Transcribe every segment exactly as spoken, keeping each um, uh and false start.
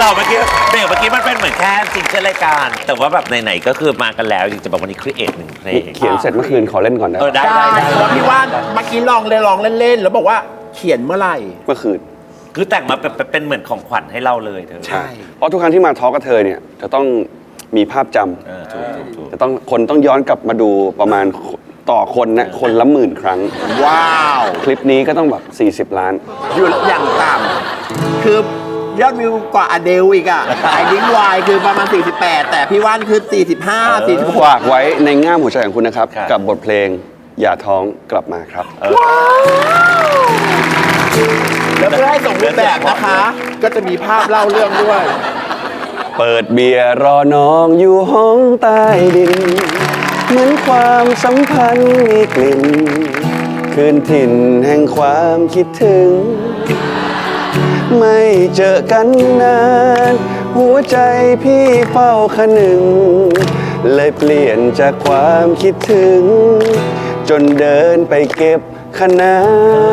เมื่อกี้เบรกเมื่อกี้มันเป็นเหมือนแค่ซิงเกิลรายการแต่ว่าแบบไหนๆก็คือมากันแล้วจริงจะบอกวันนี้ครีเอทหนึ่งเพลงเขียนเสร็จเมื่อคืนขอเล่นก่อนนะเออได้ได้ได้แล้วพี่ว่านเมื่อกี้ลองเลยลองเล่นๆแล้วบอกว่าเขียนเมื่อไหร่เมื่อคืนคือแต่งมาเป็นเป็นเหมือนของขวัญให้เราเลยเธอใช่เพราะทุกครั้งที่มาทอล์กกับเธอเนี่ยจะต้องมีภาพจำจะต้องคนต้องย้อนกลับมาดูประมาณต่อคนนะคนละหมื่นครั้งว้าวคลิปนี้ก็ต้องแบบสี่สิบล้านอยู่อย่างต่ำคือยอดวิวกว่าอเดลอีกอ่ะไอ้ดิ้งวายคือประมาณสี่สิบแปดแต่พี่ว่านคือสี่สิบห้า สี่สิบหกฝากไว้ในง่ามหัวใจของคุณนะครับกับบทเพลงอย่าท้องกลับมาครับแล้วเพื่อให้สมบูรณ์แบบนะคะก็จะมีภาพเล่าเรื่องด้วยเปิดเบียร์รอน้องอยู่ห้องใต้ดินเหมือนความสัมพันธ์มีกลิ่นคืนถิ่นแห่งความคิดถึงไม่เจอกันนานหัวใจพี่เฝ้าคะนึงเลยเปลี่ยนจากความคิดถึงจนเดินไปเก็บคะน้า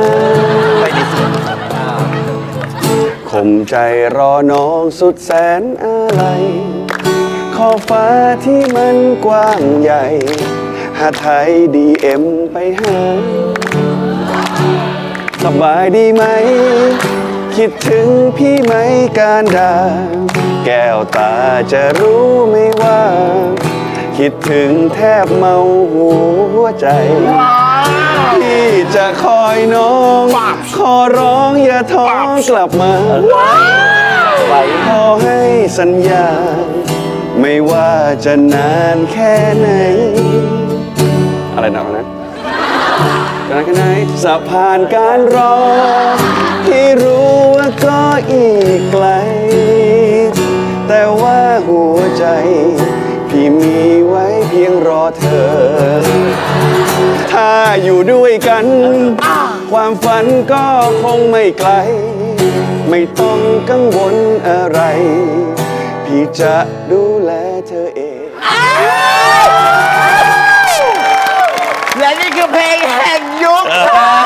ข่มใจรอน้องสุดแสนอะไรขอบฟ้าที่มันกว้างใหญ่หาไทยดีเอ็มไปหาสบายดีไหมคิดถึงพี่ไหมการดาแก้วตาจะรู้ไหมว่าคิดถึงแทบเมาหัวใจพี่จะคอยน้องขอร้องอย่าท้องกลับมาขอให้สัญญาไม่ว่าจะนานแค่ไหนอะไรหนักนะนานแค่ไหนสะพานการรอที่รู้ว่าก็อีกไกลแต่ว่าหัวใจพี่มีไว้เพียงรอเธอถ้าอยู่ด้วยกันความฝันก็คงไม่ไกลไม่ต้องกังวลอะไรพี่จะดูแลเธอเองและนี่คือเพลงแห่งยุค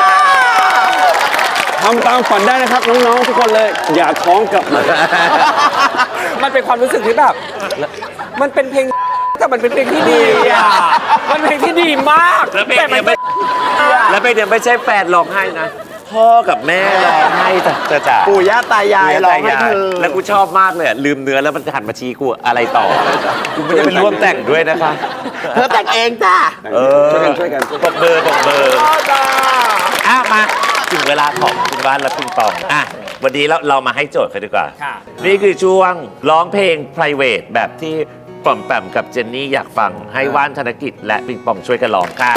ทำตามฝันได้นะครับน้องๆทุกคนเลยอย่าท้องกลับมามันเป็นความรู้สึกที่แบบมันเป็นเพลงแต่มันเป็นเพลงที่ดีอ่ะมันเป็นเพลงที่ดีมากแล้วเพลงเนี่ยไม่แล้วเพลงเนี่ยไม่ใช่แฟนร้องไห้นะพ่อกับแม่ร้องไห้แต่จ๋าปู่ย่าตายายร้องให้เธอแล้วกูชอบมากเลยลืมเนื้อแล้วมันหันมาชี้กูอะไรต่อกูไม่ได้เป็นร่วมแต่งด้วยนะคะเธอแต่งเองจ้าเออช่วยกันช่วยกันปกเบอร์ปกเบอร์อ่ะมาถึงเวลาของคุณบ้านและคุณตองอ่ะวันนี้เราเรามาให้โจทย์กันดีกว่านี่คือช่วงร้องเพลง private แบบที่ปอมแปมกับเจนนี่อยากฟังให้ว่านธนกิจและปิงปองช่วยกันร้องค่ะ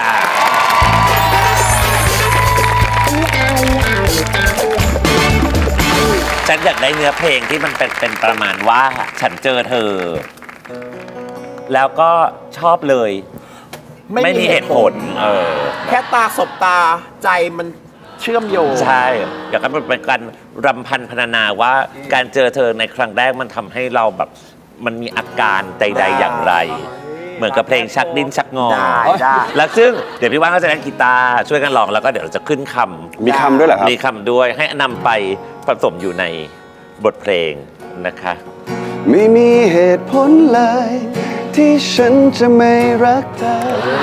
ฉันอยากได้เนื้อเพลงที่มันเป็นเป็นประมาณว่าฉันเจอเธอแล้วก็ชอบเลยไม่มีเหตุผลเออแค่ตาสบตาใจมันเชื่อมโยงใช่อยากให้มันเป็นการรำพันพรรณนาว่าการเจอเธอในครั้งแรกมันทำให้เราแบบมันมีอาการใดๆอย่างไรเหมือนกับเพลงชักดิ้นชักงอแล้วซึ่งเดี๋ยวพี่ว่านก็จะเล่นกีตาร์ช่วยกันร้องแล้วก็เดี๋ยวเราจะขึ้นคำมีคำด้วยเหรอครับมีคำด้วยให้นำไปผสมอยู่ในบทเพลงนะคะไม่มีเหตุผลเลยที่ฉันจะไม่รักเธอ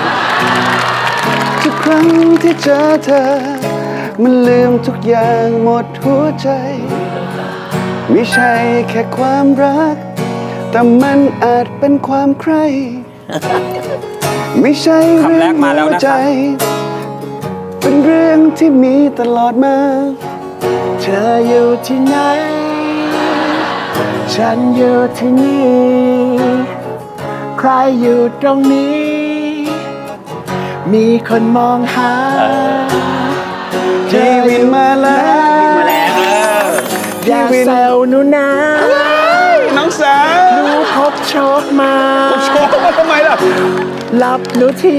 ทุกครั้งที่เจอเธอมันลืมทุกอย่างหมดหัวใจไม่ใช่แค่ความรักแต่มันอาจเป็นความใคร่ไม่ใช่เรื่องหัวใจเป็นเรื่องที่มีตลอดมาเธออยู่ที่ไหนฉันอยู่ที่นี่ใครอยู่ตรงนี้มีคนมองหาชีวิตมาแล้วอย่าแซวหนูนะน้องสาวหนูพบโชคมาโชคมาทำไมล่ะรับหนูที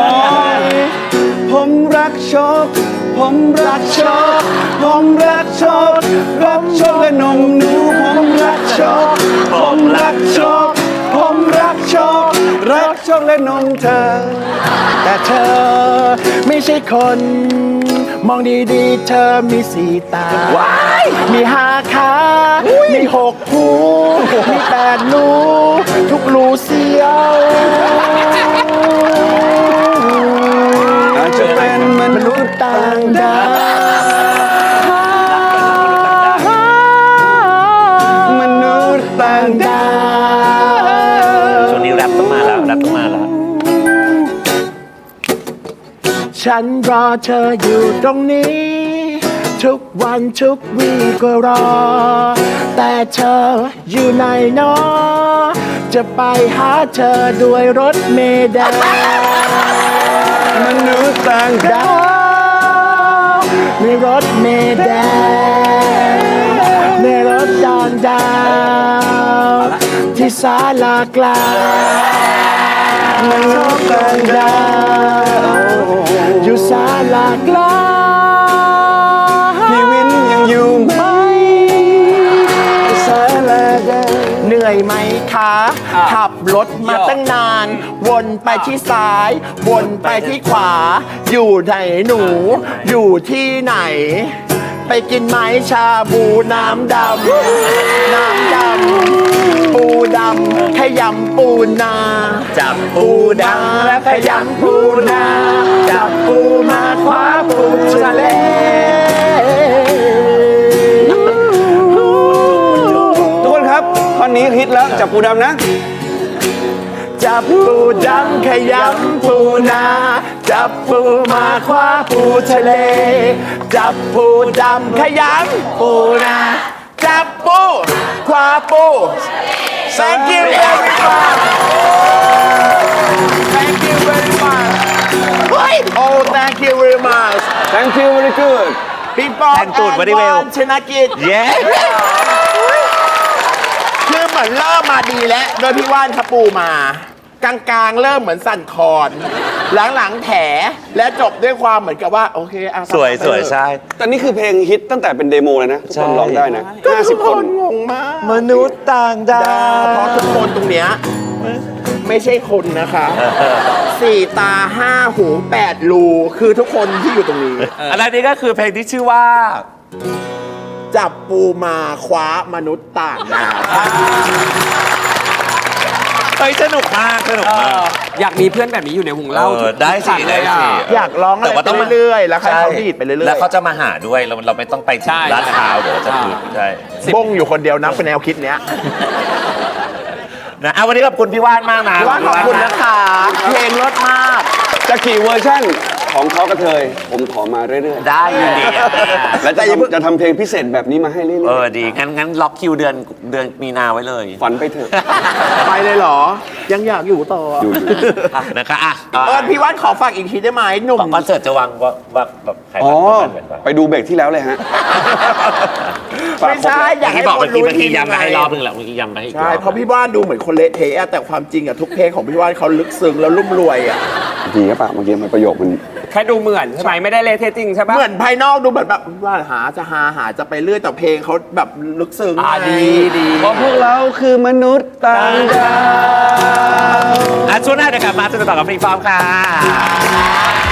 ผมรักโชคผมรักโชคผมรักโชครักโชคและนมหนูผมรักโชคผมรักโชคผมรักโชครักโชคและนมเธอแต่เธอไม่ใช่คนมองดีๆ เธอมีสีตา มีห้าขา มีหกหู มีแปดรู ทุกรูเสียวอาจจะเป็นมนุษย์ต่างดาวมนุษย์ต่างดาวช่วงนี้แรปต้องมาแล้วแรปต้องมาแล้วฉันรอเธออยู่ตรงนี้ ทุกวันทุกวีก็รอ แต่เธออยู่ไหนเนาะจะไปหาเธอด้วยรถเมล์แดงมนุษย์ต่างดาวในรถเมล์แดงในรถดอนดาวที่ศาลากลางมนุษย์ต่างดาวอยู่ศาลากลางพี่วินยังอยู่ไหมสายแลแดงเหนื่อยไหมคะ ขับรถมาตั้งนาน วนไปที่ซ้าย วนไปที่ขวา อยู่ไหนหนู อยู่ที่ไหน ไปกินไหมชาบูน้ำดำ น้ำดำ ปูดำขยำปูนาจับปูดำและขยำปูนา จับปูมาคว้าปูทะเลทุกคนครับท่อนนี้ฮิตแล้วจับปูดำนะจับปูดำขยำปูนา จับปูมาคว้าปูทะเล จับปูดำขยำปูนา จับปูคว้าปู Thank you very much Thank you very much เฮ้ย Oh thank you very much Thank you very good พี่ปอแต่งตูด very well ชนะกิจเย้คือเหมือนเริ่มมาดีแล้ว โดยพี่ว่านขปูมา กลางๆ เริ่มเหมือนสั่นคลอน หลังๆ แถ และจบด้วยความเหมือนกับว่า โอเคอ่ะสวยสวยใช่แต่นี่คือเพลงฮิตตั้งแต่เป็นเดโมเลยนะ ทุกคนร้องได้นะก็ห้าทุสิกบคคน นงงมากมนุษย์ต่างดาดาวเพราะทุกคนตรงเนี้ยไม่ใช่คนนะคะ สี่ตาห้าหูแปดรูคือทุกคนที่อยู่ตรงนี้อันนี้ก็คือเพลงที่ชื่อว่าจับปูมาคว้ามนุษย์ต่างดาวเฮ้ยสนุกมากสนุกมากอยากมีเพื่อนแบบนี้อยู่ในวงเล่าเออได้สิทุกครั้งเลยได้สิอะอยากร้องอะไรแต่ว่าไปต้องมาเรื่อยๆ แล้วให้เขาดีดไปเรื่อยๆแล้วเขาจะมาหาด้วยเราเราไม่ต้องไปถึใช่งลาดพร้าวเดี๋ยวจะพูดใช่บงอยู่คนเดียวนะเป็นแนวคิดเนี้ยนะเอาวันนี้ขอบคุณพี่ว่านมากนะว่าขอบคุณนะคะเพลงรสมากจะกี่เวอร์ชั่นของเขากระเทย ผมขอมาเรื่อยได้ยินดีอ่ะๆ และจะทำจะทำเพลงพิเศษแบบนี้มาให้เรื่เออยอดีงั้นงั้นล็อกคิวเดือนเดือนมีนาไว้เลยๆ ฝันไปเถอะไปเลยเหรอ ยังอยากอยู่ต่ออยู่นะคะอ่ะเออพี่ว่านขอฝากอีกทีได้ไหมหนุ่มคอนเสิร์ตจะวางว่าว่าแบบใครอ๋อบ้างบ้างไปดูเบรกที่แล้วเลยฮะไม่ใช่อยากให้ที่บอกคเมื่นอกี้รู้เมื่อกี้ทีย้ำไปให้ไงรอบนึงแหละเมื่อกี้ย้ำไปให้อีกใช่อบเพราะพี่ว่านดูเหมือนคนเละเทะอะแต่ความจริงอะทุกเพลงของพี่ว่านเขาลึกซึ้งแล้วรุ่มรวยอะดีครับปะเมื่อกี้มันประโยคมันแค่ดูเหมือนใช่ไหมไม่ได้เละเทะจริงใช่ปะเหมือนภายนอกดูเหมือนแบบว่าหาจะหาหาจะไปเรื่อยแต่เพลงเขาแบบลึกซึ้งอ่าไงดีดีเพราะพวกเราคือมนุษย์ต่างดาวอ่ะช่วงหน้าเดี๋ยวกลับมาสนุกต่อกับฟรีฟอร์มค่ะ